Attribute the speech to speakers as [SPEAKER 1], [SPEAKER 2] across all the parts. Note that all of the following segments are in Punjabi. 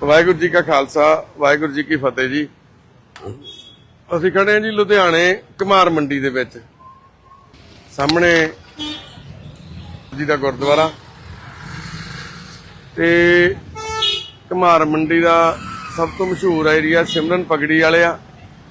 [SPEAKER 1] ਵਾਹਿਗੁਰੂ ਜੀ ਕਾ ਖਾਲਸਾ ਵਾਹਿਗੁਰੂ ਜੀ ਕੀ ਫਤਿਹ ਜੀ। ਅਸੀਂ ਖੜੇ ਹਾਂ ਜੀ ਲੁਧਿਆਣੇ ਘਮਾਰ ਮੰਡੀ ਦੇ ਵਿੱਚ, ਸਾਹਮਣੇ ਜੀ ਦਾ ਗੁਰਦੁਆਰਾ ਤੇ ਘਮਾਰ ਮੰਡੀ ਦਾ ਸਭ ਤੋਂ ਮਸ਼ਹੂਰ ਏਰੀਆ ਸਿਮਰਨ ਪਗੜੀ ਵਾਲੇ ਆ।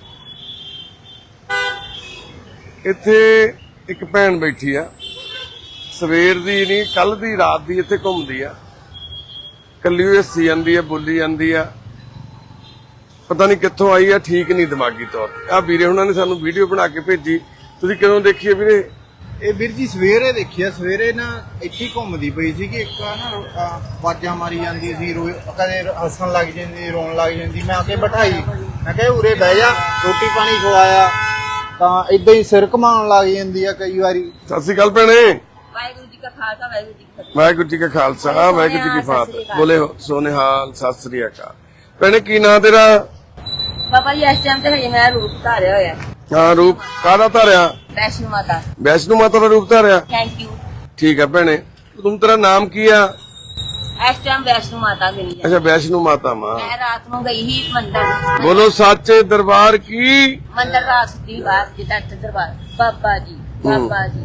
[SPEAKER 1] ਇੱਥੇ ਇੱਕ ਭੈਣ ਬੈਠੀ ਆ, ਸਵੇਰ ਦੀ ਨਹੀਂ ਕੱਲ ਦੀ ਰਾਤ ਦੀ ਇੱਥੇ ਘੁੰਮਦੀ ਆ, ਕੱਲੀ ਹੋਈ ਹੱਸੀ ਜਾਂਦੀ ਆ, ਬੋਲੀ ਜਾਂਦੀ ਆ, ਪਤਾ ਨਹੀਂ ਕਿੱਥੋਂ ਆਈ ਆ, ਠੀਕ ਨਹੀਂ ਦਿਮਾਗੀ ਤੌਰ ਤੇ। ਆ ਵੀਰੇ ਉਹਨਾਂ ਨੇ ਸਾਨੂੰ ਵੀਡੀਓ ਬਣਾ ਕੇ ਭੇਜੀ, ਤੁਸੀਂ ਕਦੋਂ ਦੇਖੀ ਆ ਵੀਰੇ?
[SPEAKER 2] ਇਹ ਵੀਰ ਜੀ ਸਵੇਰੇ ਦੇਖਿਆ, ਸਵੇਰੇ ਨਾ ਇੱਥੇ ਘੁੰਮਦੀ ਪਈ ਸੀ ਕਿ ਇੱਕ ਨਾ ਆਵਾਜ਼ਾਂ ਮਾਰੀ ਜਾਂਦੀ ਸੀ, ਕਦੇ ਹੱਸਣ ਲੱਗ ਜਾਂਦੀ, ਰੋਣ ਲੱਗ ਜਾਂਦੀ। ਮੈਂ ਆ ਕੇ ਬਿਠਾਈ, ਮੈਂ ਕਿਹਾ ਉਰੇ ਬਹਿ ਜਾ, ਰੋਟੀ ਪਾਣੀ ਖਵਾਇਆ ਤਾਂ ਇਦਾਂ ਹੀ ਸਿਰ ਘੁਮਾਉਣ ਲੱਗ ਜਾਂਦੀ ਆ ਕਈ ਵਾਰੀ।
[SPEAKER 1] ਸਤਿ ਸ਼੍ਰੀ ਅਕਾਲ ਭੈਣੇ।
[SPEAKER 3] ਵਾਹਿਗੁਰੂ ਜੀ ਕਾ ਖਾਲਸਾ ਵਾਹਿਗੁਰੂ ਜੀ ਕੀ ਫਤਿਹ।
[SPEAKER 1] ਵਾਹਿਗੁਰੂ ਜੀ ਕਾ ਖਾਲਸਾ ਵਾਹਿਗੁਰੂ ਜੀ ਕੀ ਫਤਿਹ। ਬੋਲੇ ਸੋਨੇਹਾਲ, ਸਤਿ ਸ੍ਰੀ ਅਕਾਲ। ਭੈਣੇ ਕੀ ਨਾਂ ਤੇਰਾ?
[SPEAKER 3] ਬਾਬਾ ਜੀ ਇਸ ਟਾਈਮ ਤੇ ਹਜੇ ਮੈਂ ਰੂਪ ਧਾਰਿਆ ਹੋਇਆ।
[SPEAKER 1] ਹਾਂ, ਰੂਪ ਕਾਹਦਾ ਧਾਰਿਆ?
[SPEAKER 3] ਵੈਸ਼ਨੂ ਮਾਤਾ।
[SPEAKER 1] ਵੈਸ਼ਨੂ ਮਾਤਾ ਦਾ ਰੂਪ ਧਾਰਿਆ।
[SPEAKER 3] Thank you.
[SPEAKER 1] ਠੀਕ ਹੈ ਭੈਣੇ, ਤੁਮ ਤੇਰਾ ਨਾਮ ਕੀ ਆ?
[SPEAKER 3] ਇਸ ਟਾਈਮ ਵੈਸ਼ਨੂ ਮਾਤਾ ਗਈ ਹੈ।
[SPEAKER 1] ਅੱਛਾ, ਵੈਸ਼ਨੂ ਮਾਤਾ ਮਾਂ।
[SPEAKER 3] ਮੈਂ ਰਾਤ ਨੂੰ ਗਈ ਹੀ ਮੰਦਰ।
[SPEAKER 1] ਬੋਲੋ ਸੱਚੇ ਦਰਬਾਰ ਕੀ।
[SPEAKER 3] ਮੰਦਰ ਰਾਤ ਦੀ ਬਾਤ ਜਿੱਦਾਂ ਦਰਬਾਰ ਬਾਬਾ ਜੀ, ਬਾਬਾ ਜੀ,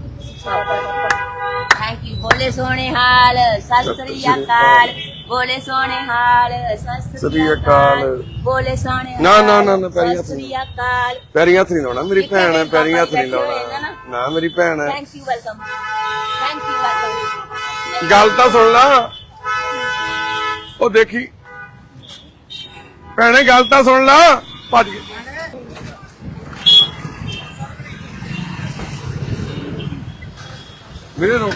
[SPEAKER 3] ਥੈਂਕ ਯੂ। ਬੋਲੇ ਸੋਹਣੇ ਹਾਲ, ਸਤਿ ਸ੍ਰੀ ਅਕਾਲ। ਬੋਲੇ ਸੋਹਣੇ ਹਾਲ, ਸਤਿ ਸ੍ਰੀ ਅਕਾਲ। ਬੋਲੇ ਸੋਹਣੇ
[SPEAKER 1] ਨਾ ਨਾ ਨਾ ਨਾ, ਪੈਰੀ
[SPEAKER 3] ਸਤਿ
[SPEAKER 1] ਹੱਥ
[SPEAKER 3] ਸ੍ਰੀ ਅਕਾਲ।
[SPEAKER 1] ਪੈਰੀ ਹੱਥ ਨਹੀਂ ਲਾਉਣਾ, ਮੇਰੀ ਭੈਣ ਹੈ, ਪੈਰੀ ਹੱਥ ਨਹੀਂ ਲਾਉਣਾ ਨਾ, ਮੇਰੀ ਭੈਣ ਹੈ।
[SPEAKER 3] Thank you, welcome. Thank you, welcome.
[SPEAKER 1] ਗੱਲ ਤਾਂ ਸੁਣ ਲਾ, ਉਹ ਦੇਖੀ ਭੈਣੇ, ਗੱਲ ਤਾਂ ਸੁਣ ਲਾ। ਭੱਜ ਗਏ ਵੀਰੇ, ਰੋਕ।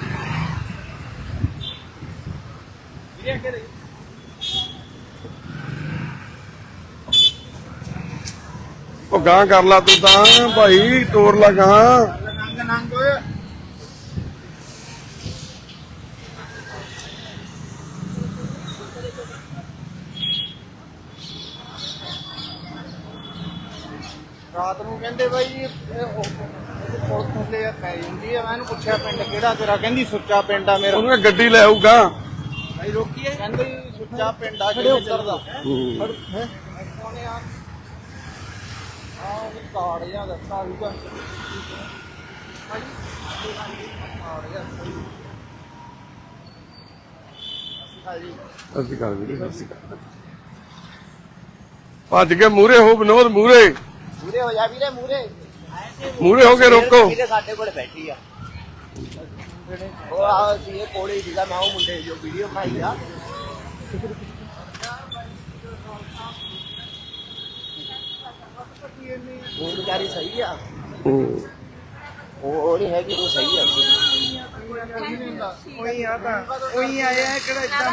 [SPEAKER 1] ਉਹ ਗਾਂ ਕਰ ਲਾ ਤੂੰ ਤਾਂ ਭਾਈ, ਤੋੜ ਲਾ ਗਾਂ।
[SPEAKER 2] ਨੰਗ ਰਾਤ ਨੂੰ ਕਹਿੰਦੇ ਬਾਈ ਜੀ ਪੁਲਿਸ ਥੱਲੇ ਪੈ ਜਾਂਦੀ ਆ। ਮੈਂ ਇਹਨੂੰ ਪੁੱਛਿਆ ਪਿੰਡ ਕਿਹੜਾ ਤੇਰਾ, ਕਹਿੰਦੀ ਸੁੱਚਾ ਪਿੰਡ ਆ ਮੇਰਾ।
[SPEAKER 1] ਉਹਨੂੰ ਗੱਡੀ ਲੈ ਆਊਗਾ।
[SPEAKER 2] ਭਾਈ ਰੋਕੀਏ, ਕਹਿੰਦੇ ਸੁੱਚਾ ਪਿੰਡ ਆ ਕਿਹੜੇ ਉੱਤਰ ਦਾ ਹੈ ਕੋਨੇ ਆ ਉਹ ਕਾਰਡ ਜਾਂ ਦੱਸਾ ਆਊਗਾ ਭਾਈ। ਕਾਰਡ ਜਾਂ
[SPEAKER 1] ਅਸੀਂ ਕਰ ਵੀਰੇ, ਅਸੀਂ ਕਰ। ਭੱਜ ਕੇ ਮੂਰੇ ਹੋ ਵਿਨੋਦ, ਮੂਰੇ
[SPEAKER 2] ਮੂਰੇ ਹੋ ਜਾ ਵੀਰੇ,
[SPEAKER 1] ਮੂਰੇ ਹੋ ਕੇ ਰੋਕੋ।
[SPEAKER 2] ਵੀਰੇ ਸਾਡੇ ਕੋਲ ਬੈਠੀ ਆ ਉਹ ਆ ਸੀ, ਇਹ ਕੋਲੇ ਸੀਗਾ। ਮੈਂ ਉਹ ਮੁੰਡੇ ਜੋ ਵੀਡੀਓ ਬਣਾਈ ਆ, ਉਹ ਵਿਚਾਰੀ ਸਹੀ ਆ, ਉਹ ਨਹੀਂ ਹੈਗੀ, ਉਹ ਸਹੀ ਆ। ਉਹੀ ਆ ਤਾਂ ਉਹੀ ਆਇਆ ਹੈ, ਕਿਹੜਾ ਇਦਾਂ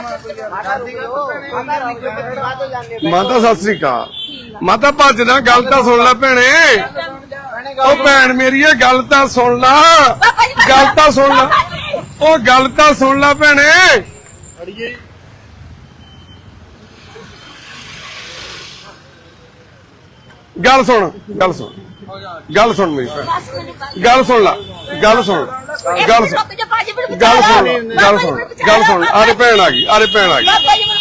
[SPEAKER 1] ਮਾਤਾ ਸਤਿ ਸ੍ਰੀ ਅਕਾਲ। ਮਾਤਾ ਭੱਜ ਨਾ, ਗੱਲ ਤਾਂ ਸੁਣ ਲੈ ਭੈਣੇ। ਉਹ ਭੈਣ ਮੇਰੀ ਹੈ, ਗੱਲ ਤਾਂ ਸੁਣ ਲਾ, ਗੱਲ ਤਾਂ ਸੁਣ ਲਾ, ਉਹ ਗੱਲ ਤਾਂ ਸੁਣ ਲਾ ਭੈਣੇ। ਗੱਲ ਸੁਣ, ਗੱਲ ਸੁਣ, ਗੱਲ ਸੁਣ ਮੇਰੀ ਭੈਣ, ਗੱਲ ਸੁਣ ਲਾ, ਗੱਲ ਸੁਣ, ਗੱਲ ਸੁਣ, ਗੱਲ ਸੁਣ, ਗੱਲ ਸੁਣ, ਗੱਲ ਸੁਣ। ਆਰੇ ਭੈਣ ਆ ਗਈ, ਆਰੇ ਭੈਣ ਆ ਗਈ।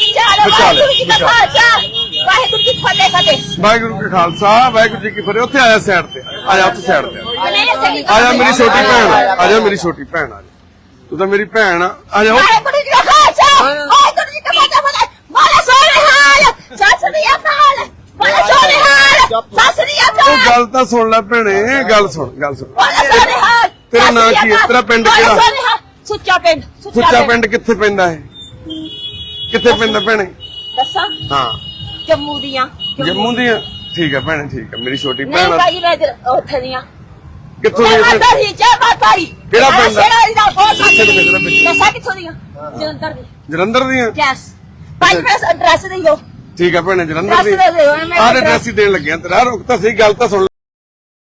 [SPEAKER 3] ਵਾਹਿਗੁਰੂ ਜੀ ਕੀ ਫਤਿਹ।
[SPEAKER 1] ਵਾਹਿਗੁਰੂ ਜੀ ਖਾਲਸਾ ਵਾਹਿਗੁਰੂ ਜੀ ਕੀ ਫਤਿਹ। ਉੱਥੇ ਆਇਆ ਸਾਈਡ ਤੇ, ਆ ਜਾ ਉੱਥੇ ਸਾਈਡ ਤੇ ਆ ਜਾ, ਮੇਰੀ ਛੋਟੀ ਭੈਣ ਆ ਜਾ, ਮੇਰੀ ਛੋਟੀ ਭੈਣ ਆ ਜਾ, ਤੂੰ ਤਾਂ ਮੇਰੀ ਭੈਣ ਆ ਜਾ।
[SPEAKER 3] ਵਾਹਿਗੁਰੂ ਜੀ ਕਾ ਖਾਲਸਾ ਵਾਹਿਗੁਰੂ ਜੀ ਕੀ ਫਤਿਹ। ਬੋਲੇ ਸੋਹਣੇ ਹਾਲ, ਸਤਿ ਸ੍ਰੀ ਅਕਾਲ। ਬੋਲੇ ਸੋਹਣੇ ਹਾਲ, ਸਤਿ ਸ੍ਰੀ ਅਕਾਲ।
[SPEAKER 1] ਉਹ ਗੱਲ ਤਾਂ ਸੁਣ ਲੈ ਭੈਣੇ, ਗੱਲ ਸੁਣ, ਗੱਲ ਸੁਣ।
[SPEAKER 3] ਬੋਲੇ ਸੋਹਣੇ ਹਾਲ।
[SPEAKER 1] ਤੇਰਾ ਨਾਂ ਕੀ ਹੈ? ਤੇਰਾ ਪਿੰਡ ਕਿਹੜਾ?
[SPEAKER 3] ਸੁੱਚਾ ਪਿੰਡ।
[SPEAKER 1] ਸੁੱਚਾ ਪਿੰਡ ਕਿੱਥੇ ਪੈਂਦਾ ਹੈ? ਕਿੱਥੇ ਪੈਂਦਾ ਭੈਣੇ?
[SPEAKER 3] ਦੱਸਾਂ?
[SPEAKER 1] ਹਾਂ,
[SPEAKER 3] ਜੰਮੂ ਦੀਆਂ।
[SPEAKER 1] ਜੰਮੂ ਦੀਆਂ। ਠੀਕ ਹੈ ਭੈਣੇ, ਠੀਕ ਹੈ, ਮੇਰੀ ਛੋਟੀ
[SPEAKER 3] ਨਹੀਂ
[SPEAKER 1] ਭੈਣ ਆ।
[SPEAKER 3] ਭਾਈ, ਮੈਂ ਉੱਥੇ ਦੀਆਂ।
[SPEAKER 1] ਕਿੱਥੋਂ ਦੀ?
[SPEAKER 3] ਮਾਤਾ ਜੀ, ਜੈ ਮਾਤਾ ਦੀ।
[SPEAKER 1] ਕਿਹੜਾ ਪਿੰਡ?
[SPEAKER 3] ਦੱਸਾਂ ਕਿੱਥੋਂ ਦੀਆਂ? ਜਲੰਧਰ ਦੀ।
[SPEAKER 1] ਜਲੰਧਰ ਦੀਆਂ।
[SPEAKER 3] ਯੈਸ ਭਾਈ, ਮੈਂ ਐਡਰੈਸ ਦੇ ਦਿਓ।
[SPEAKER 1] ਠੀਕ ਹੈ ਭੈਣੇ, ਜਲੰਧਰ ਦੀ।
[SPEAKER 3] ਦੱਸ ਦੇ ਦਿਓ, ਮੈਂ
[SPEAKER 1] ਆਹ ਐਡਰੈਸ ਹੀ ਦੇਣ ਲੱਗਿਆ ਤੇਰਾ। ਰੁਕ ਤਾਂ ਸਹੀ, ਗੱਲ ਤਾਂ ਸੁਣ।